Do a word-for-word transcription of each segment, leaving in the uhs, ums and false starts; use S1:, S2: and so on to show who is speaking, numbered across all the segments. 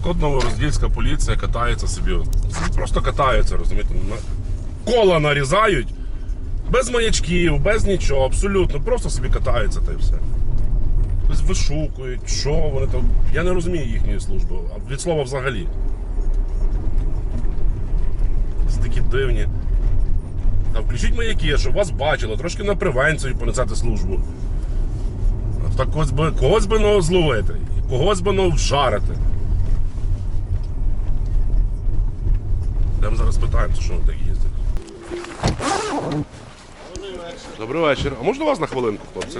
S1: от новороздільська поліція катається собі. Просто катаються, розумієте? Кола нарізають, без маячків, без нічого, абсолютно. Просто собі катаються та й все. Тобто вишукують, що вони там. Я не розумію їхньої служби, а від слова взагалі. Це такі дивні. Та включіть маяки, щоб вас бачили, трошки на превенцію понесете службу. Так когось би, когось би ну, зловити, когось би ну, вжарити. Йдемо зараз питаємося, що вони так їздять. Добрий вечір. А можна вас на хвилинку, хлопці?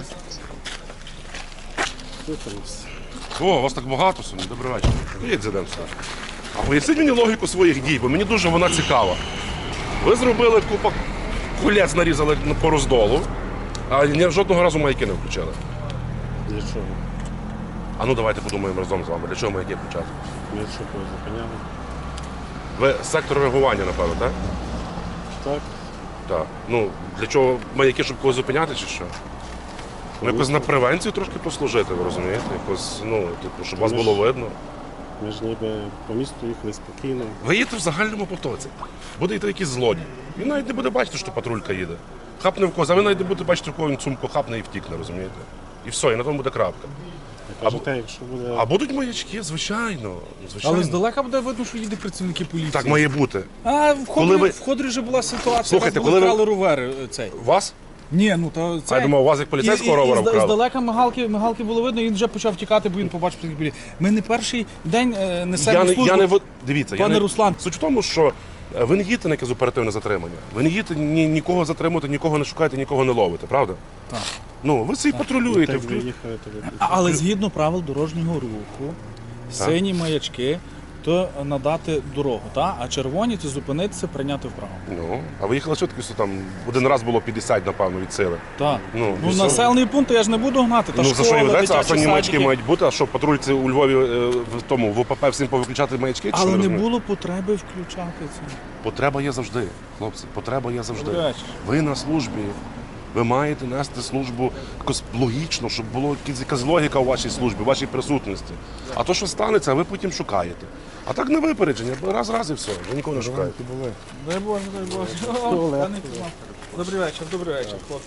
S1: О, вас так багато сьогодні. Добрий вечір. Їдь, зайдемо сюди. А поясніть мені логіку своїх дій, бо мені дуже вона цікава. Ви зробили купа кулець, нарізали по роздолу, а ні, жодного разу маяки не включили.
S2: Для чого?
S1: А ну давайте подумаємо разом з вами, для чого маяки включати?
S2: Ми що когось зупиняли?
S1: Ви з сектору реагування, напевно, так?
S2: Так.
S1: Так. Ну, для чого маяки, щоб когось зупиняти чи що? Ну, якось на превенцію трошки послужити, ви розумієте? Якось, ну, типу, щоб вас
S2: Ми ж-
S1: було видно.
S2: Ми ж ніби по місту їхали спокійно.
S1: Ви їдете в загальному потоці. Буде йти якийсь злодій. Він навіть не буде бачити, що патрулька їде. Хапне в когось, а ви навіть не будете бачити, яку він сумку хапне і втікне, розумієте? І все, і на тому буде крапка.
S2: Я кажу, те, якщо буде...
S1: А будуть маячки, звичайно. звичайно.
S3: Але здалека буде видно, що їде працівники поліції.
S1: Так має бути.
S3: А в
S1: Коли
S3: Ходрі,
S1: ви-
S3: в Ходрі вже була ситуація,
S1: Слухайте,
S3: вас були
S1: коли ви-
S3: вкрали ровери е, цей.
S1: Вас?
S3: Ні, ну то це.
S1: А я думав, у вас як поліцейського ровера
S3: і, і, і
S1: вкрали.
S3: здалека мигалки, мигалки було видно, і він вже почав тікати, бо він побачив працівників поліції. Ми не перший день е, несемо
S1: Я не,
S3: службу.
S1: я не, в- дивіться, я
S3: Пане
S1: не,
S3: Руслан.
S1: Суть в тому, що е, ви не їдете на якесь оперативне затримання. Ви не їдете ні, нікого затримувати, нікого не шукаєте, нікого не ловите, правда?
S3: Так.
S1: Ну, ви собі патрулюєте.
S2: Так
S1: вклю-
S2: виїхали, то ви-
S3: А- Але згідно правил дорожнього руху, сині маячки, то надати дорогу, та? А червоні це зупинитися, прийняти вправо.
S1: Ну, а ви їхали швидкістю там, один раз було п'ятдесят, напевно, від сили.
S3: Так.
S1: Ну,
S3: Ну,
S1: і що?
S3: населений пункт я ж не буду гнати. Та
S1: Ну, за що
S3: школа,
S1: і ведеться, а
S3: дитячі
S1: санні маячки
S3: садики.
S1: мають бути, а що патрульці у Львові е, в тому, в ОПП всім повиключати маячки? чи що,
S3: Але не
S1: розумію?
S3: було потреби включати це.
S1: Потреба є завжди, хлопці, потреба є завжди.
S3: Добрий вечір.
S1: Ви на службі, ви маєте нести службу якось логічно, щоб була якась логіка у вашій службі, у вашій присутності. А то, що станеться, ви потім шукаєте. А так на випередження, раз, раз і все, вже нікого не шукаєте.
S3: Дай Боже, дай Боже. О, пане Тимофій. Добрий вечір, добрий вечір, хлопці.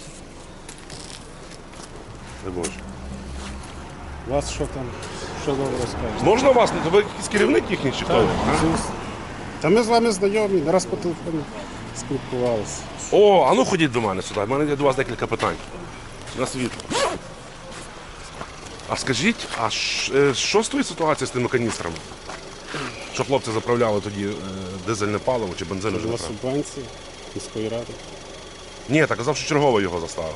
S1: Дай Боже.
S2: У вас що там, що добре розкажете?
S1: Можна вас? Ну, ви якийсь керівник їхній чи хто? А?
S2: Зус. Та ми з вами знайомі, не раз по телефону спілкувалися.
S1: О, а ну ходіть до мене сюди. У мене є до вас декілька питань. На світло. А скажіть, а ш- е, що з тою ситуацією з тими каністрами? Що хлопці заправляли тоді е, дизельне паливо чи бензин?
S2: Це
S1: вже
S2: була
S1: заправили?
S2: субвенція міської ради.
S1: Ні, так казав, що чергово його заставив.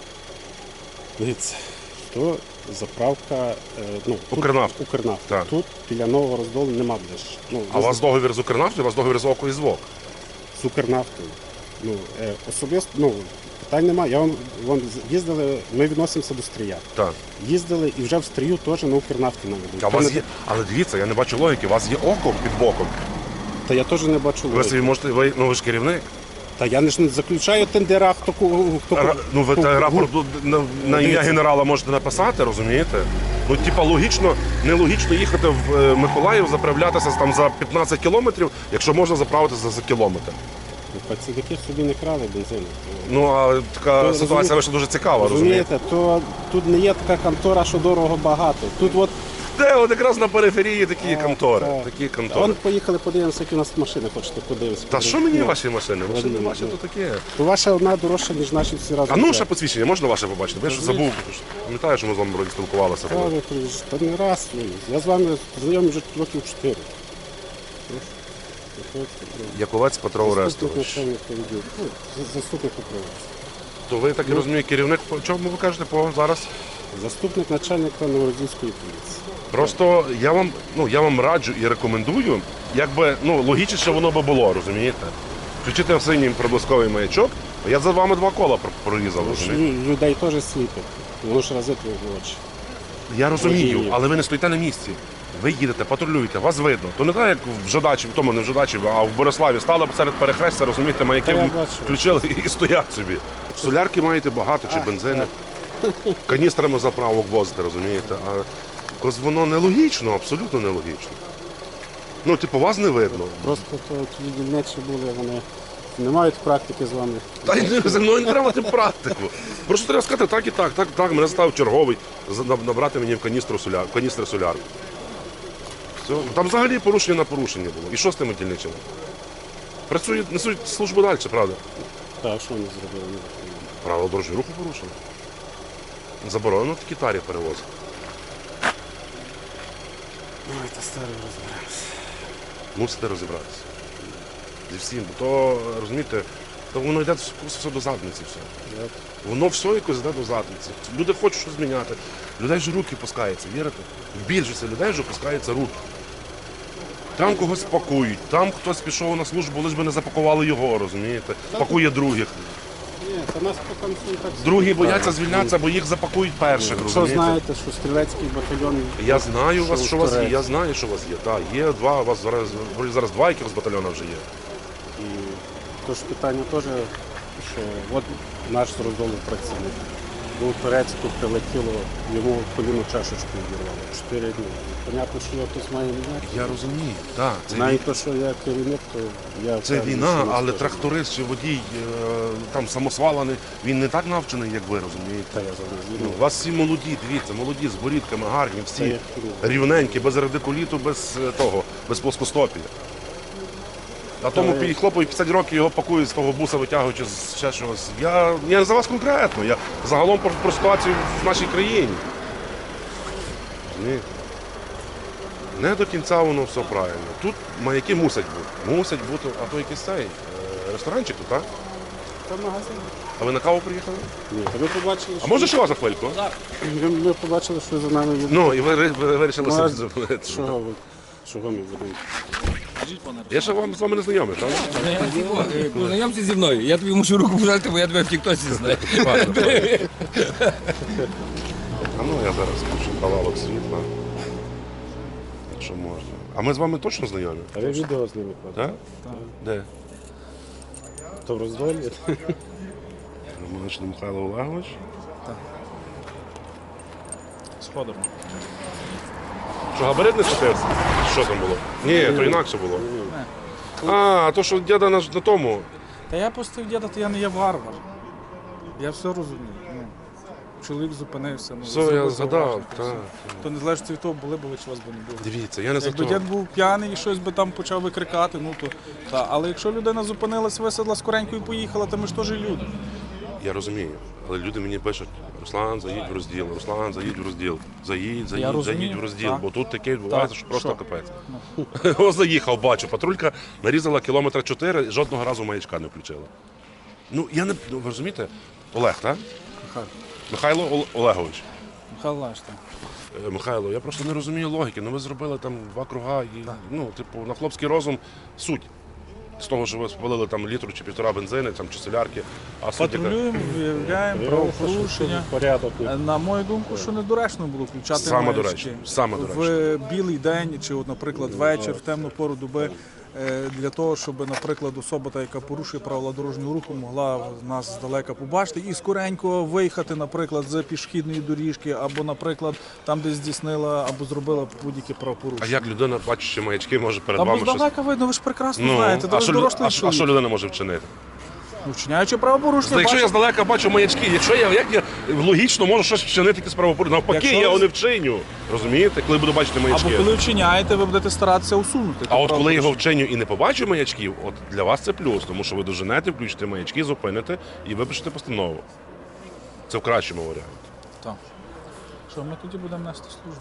S2: Дивіться, то заправка, е, ну, тут
S1: Укрнафта.
S2: Укрнафта.
S1: Так.
S2: Тут біля нового роздолу нема де ж. Ну,
S1: А у вас договір з Укрнафтою, у вас договір з ОКО і з ВОК.
S2: з Укрнафтою. Ну, е, особисто, ну, питань немає. Я вам, вам їздили, ми відносимося до Стрия.
S1: Так.
S2: Їздили і вже в Стрию теж на Укрнафті наведуть.
S1: А у вас є, але дивіться, я не бачу логіки, у вас є око під боком.
S2: Та я теж не бачу
S1: Ви
S2: логіки.
S1: собі можете, ви, ну ви ж керівник.
S2: Та я не ж не заключаю тендера, хто ку- хто
S1: Ра- Ну ви
S2: хто-
S1: та рапорт на, на ім'я
S2: Дивіться.
S1: генерала можете написати, розумієте? Ну, типа, логічно, нелогічно їхати в е, Миколаїв, заправлятися там за п'ятнадцять кілометрів, якщо можна заправитися за кілометр.
S2: Працівники собі не крали бензину.
S1: Ну а така
S2: Ви
S1: ситуація
S2: розумієте-
S1: вийшла дуже цікава, розумієте?
S2: Розумієте, то тут не є така контора, що дорого багато. Тут от
S1: Де от якраз на периферії такі
S2: А,
S1: контори.
S2: так.
S1: Такі
S2: А
S1: контори.
S2: вон поїхали, подивимося, які у нас машини хочете подивитися.
S1: Та що мені
S2: Ну,
S1: ваші машини? Машини
S2: ну,
S1: ваші
S2: ну.
S1: то таке.
S2: То ваша одна дорожча, ніж наші всі разом.
S1: А ну
S2: взяти.
S1: ще посвідчення, можна ваше побачити? Бо я щось забув. Пам'ятаю, що ми з вами вроді спілкувалися.
S2: Та ви приїжджаєте. Та не раз. ну, Я з вами знайомий вже років чотири. Прошу. Приходьте, прошу.
S1: Яковець Петро
S2: Заступник
S1: Орестович.
S2: начальника відділу. Ну, за- Заступник управління.
S1: То ви так і розумієте, керівник, по чому ви кажете по зараз?
S2: Заступник начальника Новородільської поліції.
S1: Просто я вам, ну я вам раджу і рекомендую, якби ну логічніше воно би було, розумієте? Включити синій проблисковий маячок, я за вами два кола про- прорізав.
S2: Тому що
S1: розумієте?
S2: лю- людей теж сліпить. Воно ж разить в очі.
S1: Я розумію,
S2: Розумію.
S1: але ви не стоїте на місці. Ви їдете, патрулюєте, вас видно. То не так, як в Жадачі, в тому не в Жадачі, а в Бориславі стали серед перехрестя, розумієте, маяки
S2: Та я
S1: в-
S2: бачу.
S1: включили і стоять собі. Солярки маєте багато чи бензини. Каністрами заправок возите, розумієте? А якось воно нелогічно, абсолютно нелогічно. Ну, типу, вас не видно.
S2: Просто то ті дільничі були, вони не мають практики з вами.
S1: Та й зі мною не треба мати практику. Просто треба сказати так і так, так, так. Мене став черговий за- наб- набрати мені в каністру соляр, каністри солярки. Все. Там взагалі порушення на порушення було. І що з тими дільничими? Працюють, несуть службу далі, правда?
S2: Та що вони зробили?
S1: Правила дорожнього руху порушено. Заборонено такі тарі перевозити.
S2: Ой, та старий розберемося.
S1: Мусите розібратися. Зі всім. Бо то, розумієте, то воно йде все до задниці. Все. Воно все якось йде до задниці. Люди хочуть щось зміняти. Людей ж руки пускаються, вірите? В більшості людей вже пускаються руки. Там когось пакують, там хтось пішов на службу, лиш би не запакували його, розумієте? Пакує других.
S2: Ні, та нас поки не так.
S1: Другі бояться звільнятися, бо їх запакують перших,
S2: Що
S1: розумієте?
S2: знаєте, що стрілецький батальйон...
S1: Я знаю
S2: що
S1: вас, що у вас є,
S2: Турець.
S1: я знаю, що у вас є. Так, є два, у вас зараз, вроді зараз два якихось батальйона вже є.
S2: І тож питання теж, що от наш з роздолу працівник. Був Турецьку, прилетіло, йому коліно чашечку відірвало. Чотири дні. Понятно, що його хтось має міняти.
S1: Я розумію, так. Це,
S2: Навіть те, що я керівник, то я...
S1: це
S2: впевнений,
S1: війна,
S2: що нас
S1: але
S2: теж-
S1: тракторист чи водій е, там самосвалений, він не так навчений, як ви, розумієте?
S2: Та я зараз
S1: Ну,
S2: згідно.
S1: у вас всі молоді, дивіться, молоді, з борідками, гарні,
S2: Та
S1: всі
S2: я-
S1: рівненькі, без радикуліту, без е, того, без плоскостопія. А тому
S2: Та я-
S1: пі- хлопові п'ятдесят років його пакують з того буса, витягуючи з ще чогось. Я, я не за вас конкретно, я загалом про, про ситуацію в нашій країні. Ні. Не до кінця воно все правильно. Тут маяки мусять бути. Мусять бути, а то якийсь цей е, ресторанчик тут, так?
S2: Та магазин.
S1: А ви на каву приїхали?
S2: Ні, та ми побачили,
S1: А
S2: що...
S1: може ще вас на хвильку?
S2: Ми, ми побачили, що за нами є...
S1: Ну, і ви, ви, ви вирішили
S2: Ну,
S1: собі
S2: а
S1: зупинити.
S2: Чого ви? Чого ми будемо?
S3: Скажіть, пане
S1: Я ще вам з вами не знайомий, правда?
S4: Познайомся зі мною. Я тобі мушу руку пожати, бо я тебе в тіктосі знаю.
S1: А ну я зараз включу кавалок світла. Якщо можна. А ми з вами точно знайомі?
S2: А ви відео з ними кладете?
S1: Так? Де?
S2: То в роздолі?
S1: Романичний Михайло Олегович.
S3: Сходимо.
S1: Що, габарит не схопився? Що там було? Ні, то інакше було. А, то що діда на, на тому.
S3: Та я пустив діда, то я не є варвар. Я все розумію. Ну, чоловік зупинився. Ну,
S1: Все,
S3: зробив
S1: я згадав.
S3: зауваження,
S1: Так.
S3: все. То не залежить від того, були б ви чи вас би не було.
S1: Дивіться, я не за
S3: Якби
S1: то.
S3: дід був п'яний і щось би там почав викрикати, ну то та. Але якщо людина зупинилась, висадла скоренько і поїхала, то ми ж теж люди.
S1: Я розумію. Але люди мені пишуть: Руслан, заїдь в розділ, Руслан, заїдь в розділ. Заїдь, заїдь,
S3: розумію,
S1: заїдь в розділ.
S3: так.
S1: Бо тут таке відбувається,
S3: Так,
S1: що просто
S3: що?
S1: капець. О, заїхав, бачу. Патрулька нарізала кілометра чотири, жодного разу маячка не включила. Ну, я не. Ну, ви розумієте? Олег, так?
S3: Михайло.
S1: Михайло Ол- Олегович.
S3: Михайло Лаш, так.
S1: Е, Михайло, я просто не розумію логіки. Ну ви зробили там два круга і ну, типу, на хлопський розум суть. З того, що ви спалили там літру чи півтора бензини, там, чи солярки, а суть яка?
S3: Патрулюємо, виявляємо правопорушення.
S2: Порядок.
S3: Е, На мою думку, що недоречно було включати
S1: Саме
S3: маячки.
S1: доречно, саме доречно.
S3: В білий день чи, от, наприклад, вечір, в темну пору доби, е, для того, щоб, наприклад, особа, та, яка порушує правила дорожнього руху, могла нас здалека побачити і скоренько виїхати, наприклад, з пішохідної доріжки, або, наприклад, там, де здійснила або зробила будь-яке
S1: А
S3: правопорушення.
S1: як людина, бачачи маячки, може перед
S3: Та бо
S1: вами щось.
S3: здалека видно, ви ж прекрасно
S1: Ну,
S3: знаєте,
S1: а,
S3: ви
S1: що,
S3: ж
S1: лю-
S3: дорослий
S1: а, що- а що
S3: чоловік.
S1: людина може вчинити?
S3: Ну, вчиняючи правопорушення,
S1: Та якщо я
S3: бачите,
S1: здалека бачу маячки, якщо я як я логічно можу щось вчинити якесь правопорушення, навпаки,
S3: Якщо
S1: я
S3: ви-
S1: його не вчиню. Розумієте, коли буду бачити маячки.
S3: або коли вчиняєте, ви будете старатися усунути.
S1: А
S3: те
S1: от коли його
S3: правопорушення.
S1: вчиню і не побачу маячків, от для вас це плюс, тому що ви доженете, включите маячки, зупините і випишете постанову. Це в кращому варіанті.
S3: Так. Що, ми тоді будемо нести службу?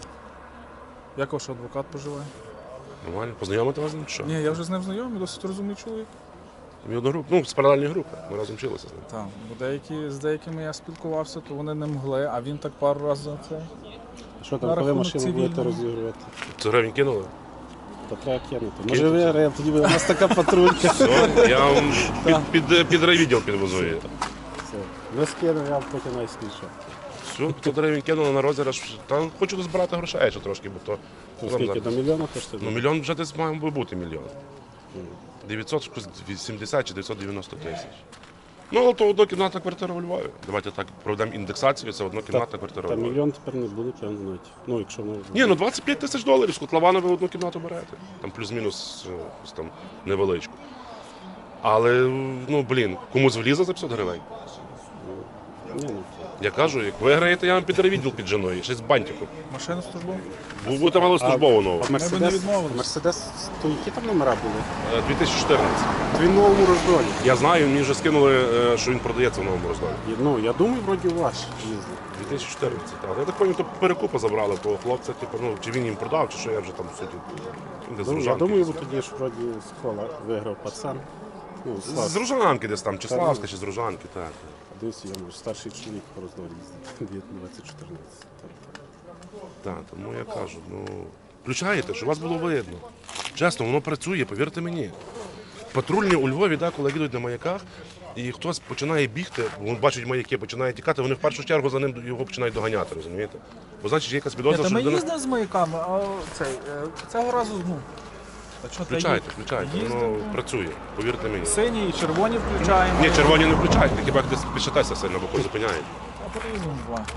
S3: Як ваш адвокат поживає?
S1: Нормально? Познайомити вас з ним? чи Що?
S3: Ні, я вже з ним знайомий, досить розумний чоловік.
S1: Мій одногруп, ну, з паралельної групи. Ми разом вчилися з ним.
S3: Так, бо деякі, з деякими я спілкувався, то вони не могли, а він так пару разів за це.
S2: Що
S3: На
S2: там, коли
S3: рахунок
S2: машину будете
S3: цивільного.
S2: розігрувати?
S1: Це гривень кинули?
S2: Та треба кинути. Може ви, Рем, тоді буде у нас така патрулька.
S1: Все, я вам під, під, під райвідділ підвезу її.
S2: Все. Ви скинули, я потім найскільше.
S1: Все, п'ятсот гривень кинули на розіграш. Та хочу дозбирати грошей ще трошки, бо то...
S2: Ну, скільки, до мільйона коштує?
S1: Ну, мільйон вже десь має би бути мільйон. дев'ятсот вісімдесят чи дев'ятсот дев'яносто тисяч. Ну, але то однокімнатна квартира у Львові. Давайте так проведемо індексацію, це однокімнатна квартира у
S2: Та
S1: Львові.
S2: мільйон тепер не буде, певно, навіть. Ну, якщо воно...
S1: Ні, ну двадцять п'ять тисяч доларів з котлована ви одну кімнату берете. Там плюс-мінус е, якусь там невеличку. Але, ну, блін, комусь влізе за п'ятсот гривень.
S2: Ні, ну,
S1: Я кажу, як виграєте, я вам підревідділ під женою, ще з бантиком.
S3: Машина службова?
S1: Ви будете мали службову нову.
S2: а Мерседес,
S3: не відмовились.
S2: Мерседес, то які там номера були?
S1: Е, дві тисячі чотирнадцятий.
S2: Він в новому роздолі.
S1: Я знаю, мені вже скинули, е, що він продається в новому роздолі.
S2: І, Ну, я думаю, вроді ваш їздив.
S1: дві тисячі чотирнадцятий, так. Я так пам'ятаю, то перекупа забрали того хлопця, типу, ну, чи він їм продав, чи що я вже там в суті. Він десь з
S2: Ну, я
S1: Ружанки.
S2: думаю, бо тоді ж вроді з кола виграв пацан. Ну,
S1: З
S2: Слав.
S1: Ружанки десь там, чи Славська, чи з Ружанки, так.
S2: Дивись, я може, старший чоловік по роздолі їздив. двадцять чотирнадцять.
S1: Так, тому я кажу, ну, включаєте, щоб вас було видно. Чесно, воно працює, повірте мені. Патрульні у Львові, да, коли їдуть на маяках, і хтось починає бігти, вони бачать маяки, починає тікати, вони в першу чергу за ним його починають доганяти, розумієте? Бо значить є якась підозра,
S3: Та
S1: що
S3: ми
S1: людина...
S3: їздимо з маяками, а цей, е, цього разу, ну, а що ти
S1: Включайте,
S3: їздиш?
S1: включайте,
S3: Їздимо.
S1: воно працює, повірте мені.
S3: Сині і червоні включаємо.
S1: Ні, червоні не включайте, хіба як десь пішатеся сильно, бо зупиняють.
S3: А по-різному буває.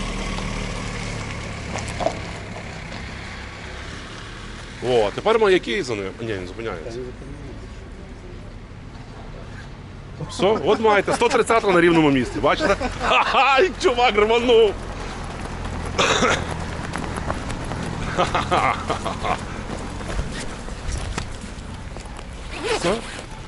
S1: О, тепер маяки за ним. Ні, не зупиняється. Все, от маєте, сто тридцять на рівному місці, бачите? Ха-ха, і чувак рванув. Все?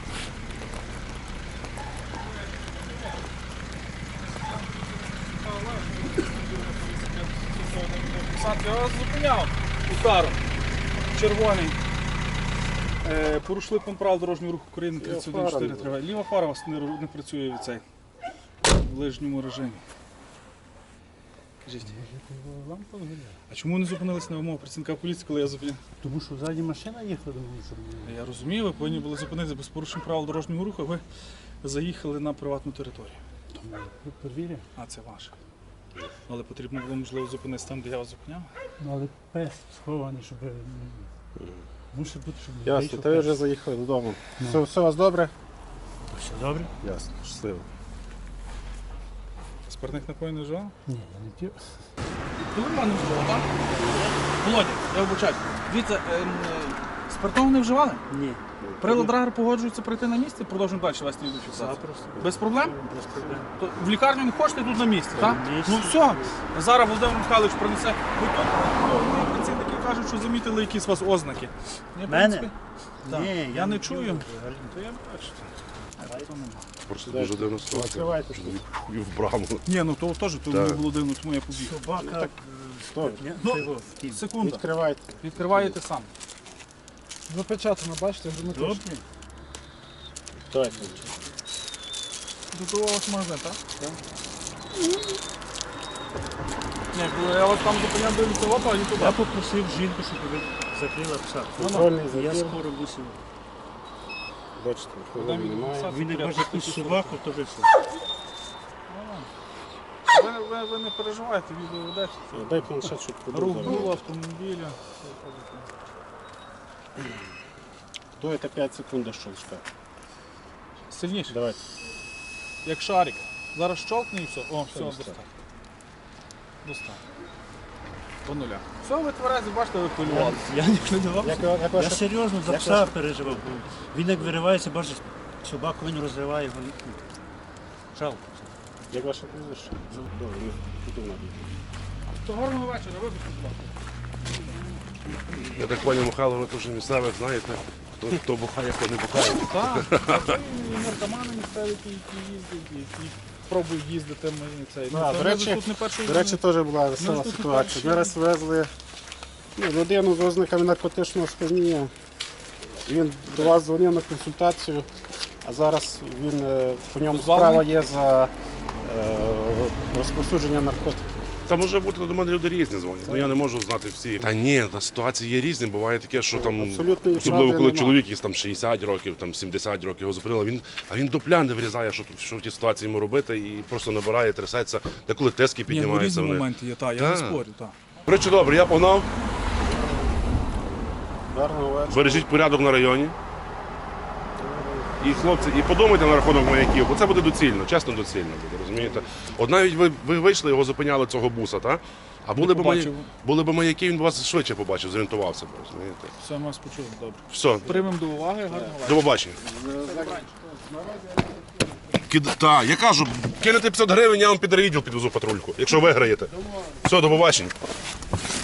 S3: Сад, я вас зупиняв ударом. Червоний. Е, порушили пункт правил дорожнього руху України тридцять один чотири триває. Ліва фара у вас не, ру- не працює від цей в ближньому режимі. Кажіть. А чому не зупинились на вимогу працівника поліції, коли я зупиняв?
S5: Тому що ззаді машина їхала, думаю, що
S3: Я розумію, ви повинні були зупинитися без порушень правил дорожнього руху, а ви заїхали на приватну територію.
S5: ви перевіряв.
S3: А це ваше. Але потрібно було, можливо, зупинитися там, де я вас зупиняв.
S5: Ну, але пес схований, щоб м, мусить бути, щоб не
S2: Ясно,
S5: вийшов
S2: то ви
S5: пес.
S2: вже заїхали додому. Все, все у вас добре?
S5: Все добре?
S2: Ясно, щасливо.
S3: Спиртних напоїв не вживав?
S5: Ні, я не п'ю.
S3: Коли мене вживав, так? Володя, я вибачаю. Дивіться, ем, е, спиртного не вживали?
S5: Ні.
S3: Прилад драгер погоджується прийти на місце, продовжуємо далі вести відеофіксацію.
S5: Запросто.
S3: Без проблем?
S5: Без проблем.
S3: То в лікарню не хочете, тут на місці, так?
S5: На місці.
S3: Ну все, зараз Володимир Михайлович принесе. Ви тут, ну, ну, працівники кажуть, що замітили якісь у вас ознаки. Ні, в
S5: Мене?
S3: принципі, так.
S5: Ні,
S3: я, не
S5: п'ю
S3: чую.
S5: взагалі.
S3: То я бачу. А то нема.
S1: Просто дуже дивна ситуація.
S2: Відкривайте.
S1: Чоловік хуїв в браму.
S3: Ні, ну то теж то
S1: Так.
S3: мені було дивно, тому я побіг.
S5: Собака. е,
S2: Добре.
S5: ні,
S3: Ну,
S5: це його втім.
S3: Секунда.
S2: Відкривайте.
S3: Відкриваєте сам.
S6: Запечатано, бачите, герметично.
S5: Добре.
S2: Давайте.
S3: До того у вас магазин, так? Так. Ні, коли я вас там зупиняв, дивлюся, опа, і туди.
S5: Я попросив жінку, щоб ви закрила пса.
S2: Контрольний
S5: Я
S2: забір.
S5: скоро мусив.
S2: Бачите, алкоголю немає.
S5: Він не бачить якусь собаку, то вже все.
S3: Ви, ви, ви не переживайте, відео ведеться.
S2: Дай планшет, щоб
S3: Рух
S2: подумав.
S3: було автомобіля.
S2: Дуєте п'ять секунд до щелчка.
S3: Сильніше,
S2: Давайте.
S3: як шарик. Зараз щолкне і все. О, все,
S2: достатньо.
S3: достатньо. Достатньо. По нуля. Все, ви тверезі, бачите, ви хвилювалися.
S5: Я не хвилювався.
S2: Як, як
S5: Я
S2: ваше...
S5: серйозно за
S2: як
S5: пса
S2: ваше-
S5: переживав. бо Він як виривається, бачить собаку, він розриває його. ну, Жалко.
S2: Як ваше прізвище? Добре, ну, тут у нас.
S3: То гарного вечора, вибачте, будь ласка.
S1: Я так поняв, Михайло, ви теж місцевих знаєте, хто, хто бухає, хто не бухає.
S3: Так, а це і наркомани місцеві, які які їздять, які пробують їздити. Ми, цей.
S2: Ну, а,
S3: це
S2: до
S3: ми
S2: речі,
S3: тут не перший
S2: До речі, теж була весела
S3: тут
S2: ситуація.
S3: перші-
S2: Ми раз везли ну, людину з ознаками наркотичного сп'яніння. Він до вас дзвонив на консультацію, а зараз він е, по ньому
S3: Позбавлений?
S2: справа є за е, розповсюдження наркотиків.
S1: Та може бути до мене люди різні дзвонять, ну я не можу знати всі. Та ні, та ситуації є різні, буває таке, що там,
S2: Абсолютної
S1: особливо
S2: правди
S1: коли
S2: нема.
S1: чоловік якийсь там шістдесят років, там сімдесят років його зупинили, він, а він до пляни вирізає, що, тут- що в тій ситуації йому робити, і просто набирає, трясеться, деколи тиски
S3: Ні, ну
S1: піднімаються.
S3: різні
S1: Вони.
S3: моменти є, так, я не
S1: Так.
S3: спорю, так.
S1: Речі, добре, я погнав,
S2: Гарного вечора.
S1: бережіть порядок на районі. І хлопці, і подумайте на рахунок маяків, бо це буде доцільно, чесно доцільно буде, розумієте? От навіть ви, ви вийшли, його зупиняли цього буса, так? А були б, маяки,
S3: побачив.
S1: були б маяки, він б вас швидше побачив, зорієнтувався б, розумієте?
S3: Все, ми вас почули, добре.
S1: Все,
S3: Приймемо до уваги, гарного вечора.
S1: до побачення. Кид... Так, я кажу, кинете п'ятсот гривень, я вам під райвідділ підвезу патрульку, якщо виграєте. Все, до побачення.